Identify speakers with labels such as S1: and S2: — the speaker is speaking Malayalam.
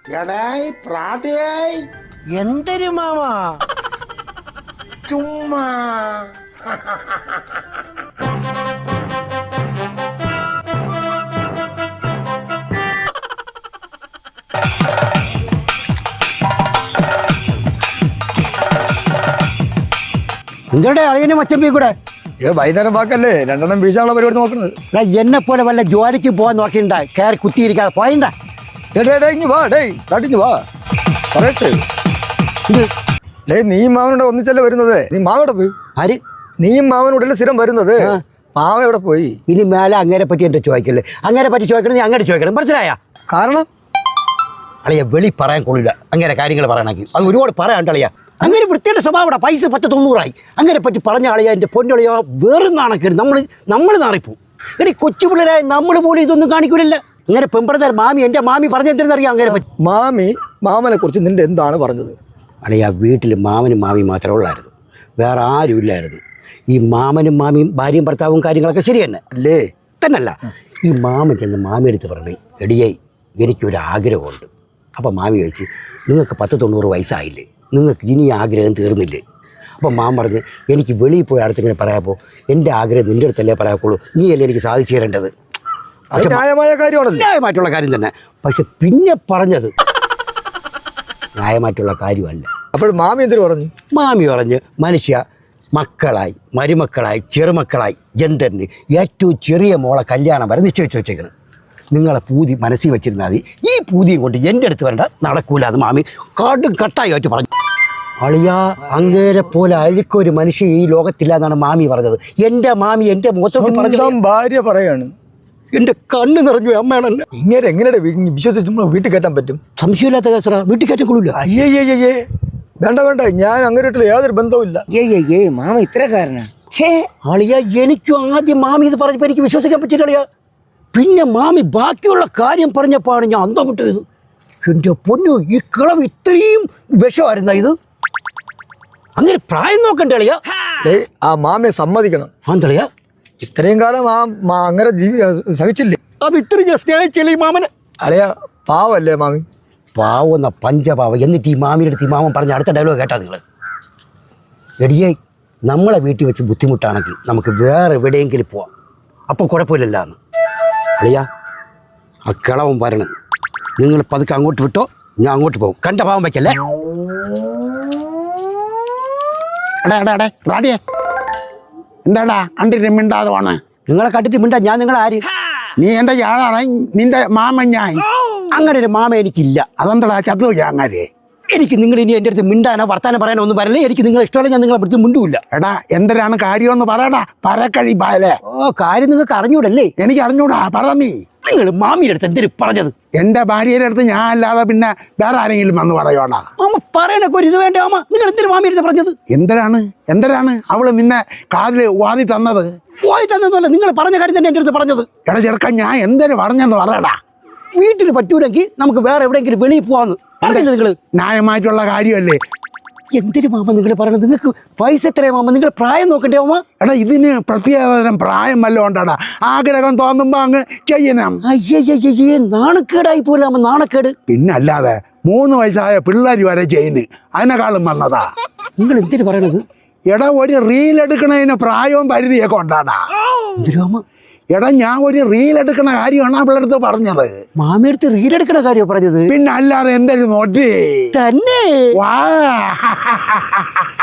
S1: എടായ് പ്രാതയായി
S2: എന്തൊരു മാമാ
S1: ചുമ്മാ
S2: നിങ്ങളുടെ അളിയനെ മച്ചമ്പി കൂടെ
S3: വൈകുന്നേരം വാക്കല്ലേ രണ്ടെണ്ണം വീശാനുള്ള പരിപാടി നോക്കുന്നത്.
S2: എന്നെ പോലെ വല്ല ജോലിക്ക് പോകാൻ നോക്കിണ്ട കയറി കുത്തിയിരിക്കാതെ പോയണ്ട.
S3: ഇങ്ങ് വാ കാട്ടിഞ്ഞ് വാ പറയട്ടെ. നീ മാവനോട് ഒന്നിച്ചല്ലേ വരുന്നത്? നീ മാവയുടെ പോയി.
S2: ആര്?
S3: നീയും മാവനോടല്ലേ സ്ഥിരം വരുന്നത്? മാവ എവിടെ പോയി?
S2: ഇനി മേലെ അങ്ങേരെ പറ്റി എന്റെ ചോദിക്കല്ലേ. അങ്ങേരെ പറ്റി ചോദിക്കണം, നീ അങ്ങനെ ചോദിക്കണം. മനസ്സിലായ?
S3: കാരണം
S2: അളിയ വെളി പറയാൻ കൊള്ളില്ല അങ്ങനെ കാര്യങ്ങൾ പറയണമെങ്കിൽ. അത് ഒരുപാട് പറയാണ്ടളിയ. അങ്ങനെ വൃത്തിയുടെ സ്വഭാവം. പൈസ 10-90 അങ്ങനെ പറ്റി പറഞ്ഞ ആളിയ എൻ്റെ പൊന്നളിയോ വേറെ നാണക്കേട്. നമ്മൾ നാറിപ്പോ. എടി കൊച്ചു പിള്ളേരായ നമ്മൾ പോലും ഇതൊന്നും കാണിക്കൂലല്ല. അങ്ങനെ പെമ്പറത്താൽ മാമി എൻ്റെ മാമി പറഞ്ഞെന്തെന്നറിയാം അങ്ങനെ പറ്റി.
S3: മാമനെ കുറിച്ച് നിന്റെ എന്താണ് പറഞ്ഞത്?
S2: അളിയ വീട്ടിൽ മാമനും മാമിയും മാത്രമേ ഉള്ളായിരുന്നു, വേറെ ആരും ഇല്ലായിരുന്നു. ഈ മാമനും മാമിയും ഭാര്യയും ഭർത്താവും കാര്യങ്ങളൊക്കെ ശരി തന്നെ അല്ലേ? തന്നല്ല. ഈ മാമൻ ചെന്ന് മാമിയെടുത്ത് പറഞ്ഞു, എടിയായി എനിക്കൊരാഗ്രഹമുണ്ട്. അപ്പം മാമി ചോദിച്ചു, നിങ്ങൾക്ക് 10-90 വയസ്സായില്ലേ, നിങ്ങൾക്ക് ഇനി ആഗ്രഹം തീർന്നില്ലേ? അപ്പം മാമൻ പറഞ്ഞ്, എനിക്ക് വെളിയിൽ പോയി അടുത്തിങ്ങനെ പറയാപ്പോൾ എൻ്റെ ആഗ്രഹം നിൻ്റെ അടുത്തല്ലേ പറയാക്കുള്ളൂ, നീ അല്ലേ എനിക്ക് സാധിച്ചു തരേണ്ടത്.
S3: ന്യായമായ കാര്യമാണല്ലോ.
S2: ന്യായമായിട്ടുള്ള കാര്യം തന്നെ. പക്ഷെ പിന്നെ പറഞ്ഞത് ന്യായമായിട്ടുള്ള കാര്യമല്ല.
S3: അപ്പോൾ മാമി എന്തിനു പറഞ്ഞു?
S2: മാമി പറഞ്ഞ്, മനുഷ്യ മക്കളായി മരുമക്കളായി ചെറുമക്കളായി എന്തെന്ന് ഏറ്റവും ചെറിയ മോളെ കല്യാണം വരെ നിശ്ചയിച്ച് വെച്ചേക്കണം. നിങ്ങളെ പൂതി മനസ്സിൽ വെച്ചിരുന്നാൽ മതി, ഈ പൂതിയും കൊണ്ട് എൻ്റെ അടുത്ത് വരേണ്ട, നടക്കൂല. അത് മാമി കാട്ടും കട്ടായി ആയിട്ട് പറഞ്ഞു. അളിയാ, അങ്ങേരെ പോലെ അഴുക്കൊരു മനുഷ്യ ഈ ലോകത്തില്ല എന്നാണ് മാമി പറഞ്ഞത്. എൻ്റെ മാമി എൻ്റെ മുഖത്തൊക്കെ പറഞ്ഞു.
S3: ഭാര്യ പറയാണ്.
S2: എൻ്റെ കണ്ണ് നിറഞ്ഞു. അമ്മയാണല്ലേ.
S3: ഇങ്ങനെ എങ്ങനെ വിശ്വസിച്ച് വീട്ടിൽ കയറ്റാൻ പറ്റും?
S2: സംശയമില്ലാത്ത കേസറ, വീട്ടിൽ കയറ്റാൻ കൊള്ളില്ല.
S3: അയ്യേ വേണ്ട, ഞാൻ അങ്ങനെയായിട്ടുള്ള യാതൊരു ബന്ധവുമില്ല.
S4: മാമ ഇത്രക്കാരനാ?
S2: അളിയ, എനിക്കും ആദ്യം മാമി ഇത് പറഞ്ഞപ്പോൾ എനിക്ക് വിശ്വസിക്കാൻ പറ്റില്ല അളിയ. പിന്നെ മാമി ബാക്കിയുള്ള കാര്യം പറഞ്ഞപ്പോഴാണ് ഞാൻ അന്തം വിട്ടത്. എൻ്റെ പൊന്നു, ഈ കിളവ് ഇത്രയും വിഷമായിരുന്ന ഇത്? അങ്ങനെ പ്രായം നോക്കണ്ടേ അളിയ?
S3: ആ മാമിയെ സമ്മതിക്കണം.
S2: ആന്തളിയ,
S3: ഇത്രയും കാലം അങ്ങനെ സഹിച്ചില്ലേ?
S2: അത് ഇത്രയും ഞാൻ സ്നേഹിച്ചില്ലേ ഈ മാമനെ?
S3: അളിയ പാവല്ലേ മാമി?
S2: പാവുന്ന പഞ്ചപാവ. എന്നിട്ട് ഈ മാമിയുടെ അടുത്ത് ഈ മാമൻ പറഞ്ഞ അടുത്ത ഡയലോഗ് കേട്ടാ നിങ്ങൾ? എടിയേ, നമ്മളെ വീട്ടിൽ വെച്ച് ബുദ്ധിമുട്ടാണെങ്കിൽ നമുക്ക് വേറെ എവിടെയെങ്കിലും പോവാം, അപ്പോൾ കുഴപ്പമില്ലല്ല എന്ന്. അളിയ, ആ കിളവൻ വരണം. നിങ്ങൾ പതുക്കെ അങ്ങോട്ട് വിട്ടോ, ഞാൻ അങ്ങോട്ട് പോകും. കണ്ട പാവം വയ്ക്കല്ലേ.
S1: റാഡിയെ എന്താടാ കണ്ടിട്ട് മിണ്ടാതെ പോണേ?
S2: നിങ്ങളെ കണ്ടിട്ട് മിണ്ടാ ഞാൻ നിങ്ങളെ ആര്?
S1: നീ എൻ്റെ യാളാണ്, നിന്റെ മാമൻ ഞാൻ.
S2: അങ്ങനെ ഒരു മാമ എനിക്കില്ല.
S1: അതെന്താടാ ചത്തു ചാങ്ങാരെ?
S2: എനിക്ക് നിങ്ങൾ ഇനി എൻ്റെ അടുത്ത് മിണ്ടാനോ വർത്താനം പറയാനോ ഒന്നും പറയല്ലേ. എനിക്ക് നിങ്ങളെ ഇഷ്ടമല്ല, ഞാൻ നിങ്ങളെ അടുത്ത് മിണ്ടൂല്ല.
S1: എടാ, എന്തിനാണ് കാര്യമെന്ന് പറയടാ. പരക്കഴി പാലേ.
S2: കാര്യം നിങ്ങൾക്ക് അറിഞ്ഞൂടല്ലേ?
S1: എനിക്ക് അറിഞ്ഞൂടാ, പറ.
S2: നിങ്ങൾ മാമിയുടെ അടുത്ത് എന്തിനു പറഞ്ഞത്?
S1: എൻ്റെ ഭാര്യയുടെ അടുത്ത് ഞാൻ അല്ലാതെ പിന്നെ വേറെ ആരെങ്കിലും വന്ന് പറയോടാ?
S2: മാമ പറയണൊക്കെ ഒരു ഇത് വേണ്ട മാമ. നിങ്ങൾ എന്തിനു മാമിയുടെ അടുത്ത് പറഞ്ഞത്?
S1: എന്തിനാണ് അവള് നിന്നെ കാതിൽ വാതി തന്നത്?
S2: വാതി തന്നതല്ല, നിങ്ങൾ പറഞ്ഞ കാര്യം തന്നെ എൻ്റെ അടുത്ത് പറഞ്ഞത്.
S1: എടാ ചെറുക്കൻ, ഞാൻ എന്തിനു പറഞ്ഞെന്ന് പറയടാ.
S2: വീട്ടിൽ പറ്റൂലെങ്കിൽ നമുക്ക് വേറെ എവിടെയെങ്കിലും വെളിയിൽ പോവാന്ന് പറഞ്ഞില്ല നിങ്ങൾ?
S1: ന്യായമായിട്ടുള്ള കാര്യമല്ലേ?
S2: എന്തിനു മാമ നിങ്ങൾ പറയണത്? നിങ്ങൾക്ക് വയസ്സ് എത്രയാ മാമ? നിങ്ങൾ പ്രായം നോക്കണ്ടേ മാമ?
S1: എടാ, ഇതിന് പ്രത്യേകതരം പ്രായം വല്ലതും ഉണ്ടാടാ. ആഗ്രഹം തോന്നുമ്പോ അങ്ങ് ചെയ്യണം.
S2: അയ്യയ്യേ, നാണക്കേടായി പോലെ മാമ, നാണക്കേട്.
S1: പിന്നെ അല്ലാതെ 3 വയസ്സായ പിള്ളേർ വരെ ചെയ്യുന്നു, അതിനെക്കാളും വന്നതാ.
S2: നിങ്ങൾ എന്തിനു പറയണത്?
S1: എടാ, ഒരു റീൽ എടുക്കണതിന് പ്രായവും പരിധിയൊക്കെ ഉണ്ടാടാ.
S2: എന്തിനു മാമ?
S1: എടാ, ഞാൻ ഒരു റീൽ എടുക്കണ കാര്യമാണ് അവളടുത്ത് പറഞ്ഞത്.
S2: മാമിയടുത്ത് റീൽ എടുക്കണ കാര്യം പറഞ്ഞത്?
S1: പിന്നെ അല്ലാതെ എന്തെങ്കിലും നോട്ടി
S2: തന്നെ.
S1: വാ